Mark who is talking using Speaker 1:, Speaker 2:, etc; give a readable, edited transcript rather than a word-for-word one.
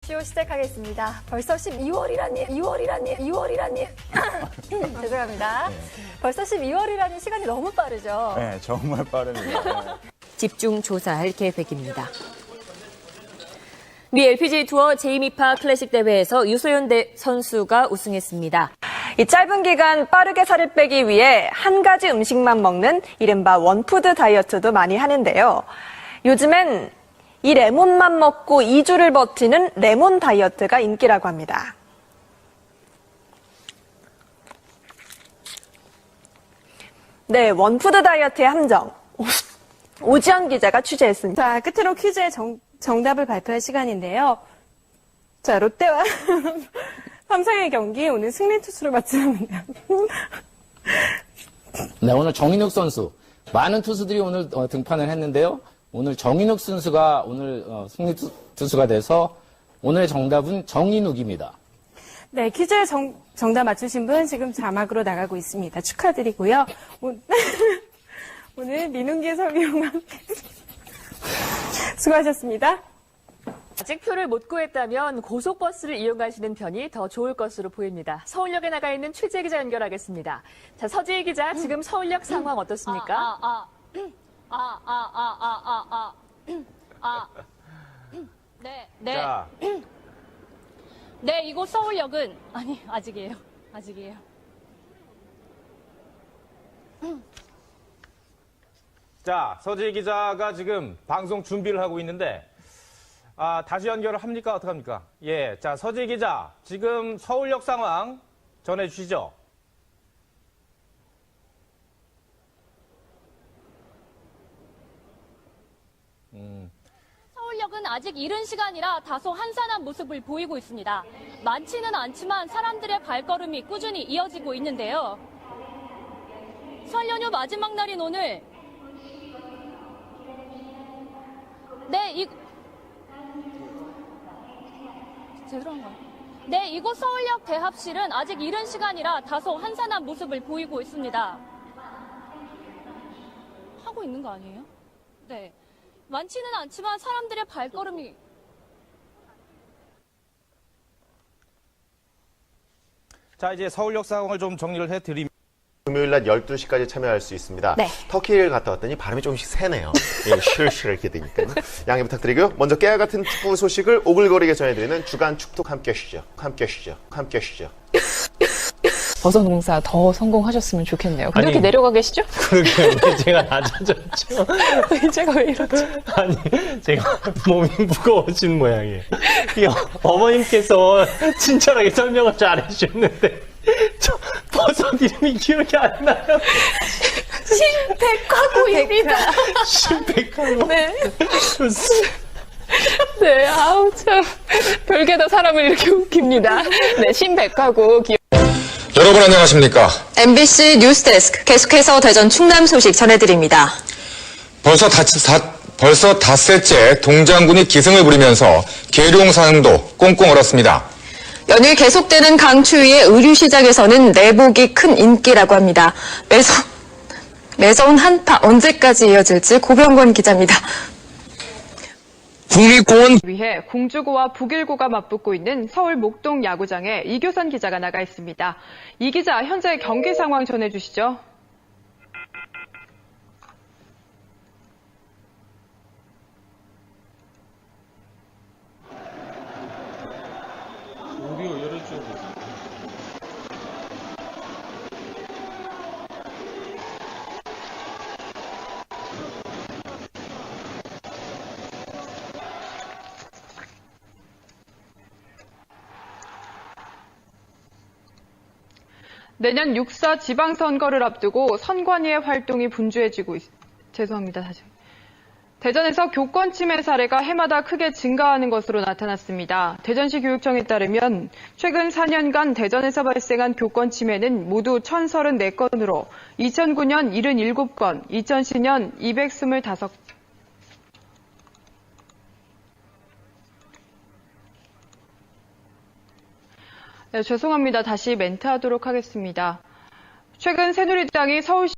Speaker 1: 쇼 시작하겠습니다. 벌써 12월이라니. 죄송합니다. 벌써 12월이라니 시간이 너무 빠르죠?
Speaker 2: 네, 정말 빠릅니다.
Speaker 3: 집중 조사할 계획입니다. 미 LPGA 투어 제2미파 클래식 대회에서 유소연 선수가 우승했습니다.
Speaker 4: 이 짧은 기간 빠르게 살을 빼기 위해 한 가지 음식만 먹는 이른바 원푸드 다이어트도 많이 하는데요. 요즘엔 이 레몬만 먹고 2주를 버티는 레몬 다이어트가 인기라고 합니다. 네, 원푸드 다이어트의 함정. 오지연 기자가 취재했습니다.
Speaker 5: 자, 끝으로 퀴즈의 정답을 발표할 시간인데요. 자, 롯데와 삼성의 경기 오늘 승리 투수로 마쳤습니다.
Speaker 6: 네, 오늘 정인욱 선수. 많은 투수들이 오늘 등판을 했는데요. 오늘 정인욱 선수가 오늘 승리 투수가 돼서 오늘의 정답은 정인욱입니다.
Speaker 5: 네, 퀴즈의 정답 맞추신 분 지금 자막으로 나가고 있습니다. 축하드리고요. 오늘 민웅기 해설위원과 함께 수고하셨습니다.
Speaker 3: 아직 표를 못 구했다면 고속버스를 이용하시는 편이 더 좋을 것으로 보입니다. 서울역에 나가 있는 취재 기자 연결하겠습니다. 자, 서지희 기자, 지금 서울역 상황 어떻습니까?
Speaker 7: 네.
Speaker 2: 자,
Speaker 7: 네, 이곳 서울역은 아직이에요.
Speaker 2: 자, 서지희 기자가 지금 방송 준비를 하고 있는데, 다시 연결을 합니까? 어떡합니까? 예. 자, 서지희 기자, 지금 서울역 상황 전해주시죠.
Speaker 7: 서울역은 아직 이른 시간이라 다소 한산한 모습을 보이고 있습니다. 많지는 않지만 사람들의 발걸음이 꾸준히 이어지고 있는데요. 설 연휴 마지막 날인 오늘 이곳 서울역 대합실은 아직 이른 시간이라 다소 한산한 모습을 보이고 있습니다. 하고 있는 거 아니에요? 네. 많지는 않지만 사람들의 발걸음이
Speaker 2: 자, 이제 서울역 상황을 좀 정리를 해드리면.
Speaker 8: 금요일 낮 12시까지 참여할 수 있습니다.
Speaker 4: 네.
Speaker 8: 터키를 갔다 왔더니 발음이 조금씩 새네요. 예, 실실 이렇게 되니까요. 양해 부탁드리고요. 먼저 깨알 같은 축구 소식을 오글거리게 전해드리는 주간 축톡 함께 하시죠.
Speaker 9: 버섯 농사 더 성공하셨으면 좋겠네요. 근데 이렇게 내려가 계시죠?
Speaker 10: 그러게요. 제가 낮아졌죠.
Speaker 9: 제가 왜 이러죠?
Speaker 10: 아니, 제가 몸이 무거워진 모양이에요. 어머님께서 친절하게 설명을 잘 해주셨는데, 저 버섯 이름이 기억이 안 나요.
Speaker 9: 신백화구입니다.
Speaker 10: 신백화구.
Speaker 9: 네. 네, 아우, 참. 별게 다 사람을 이렇게 웃깁니다. 네, 신백화구.
Speaker 11: 여러분 안녕하십니까?
Speaker 12: MBC 뉴스데스크 계속해서 대전 충남 소식 전해드립니다.
Speaker 11: 벌써 닷새째 동장군이 기승을 부리면서 계룡산도 꽁꽁 얼었습니다.
Speaker 12: 연일 계속되는 강추위에 의류시장에서는 내복이 큰 인기라고 합니다. 매서운 한파 언제까지 이어질지 고병권 기자입니다.
Speaker 11: 국립공원
Speaker 9: 위해 공주고와 북일고가 맞붙고 있는 서울 목동 야구장에 이교선 기자가 나가 있습니다. 이 기자, 현재 경기 상황 전해주시죠. 내년 6.4 지방선거를 앞두고 선관위의 활동이 분주해지고 대전에서 교권 침해 사례가 해마다 크게 증가하는 것으로 나타났습니다. 대전시 교육청에 따르면 최근 4년간 대전에서 발생한 교권 침해는 모두 1,034건으로 2009년 77건, 2010년 225건, 네, 죄송합니다. 다시 멘트하도록 하겠습니다. 최근 새누리당이 서울시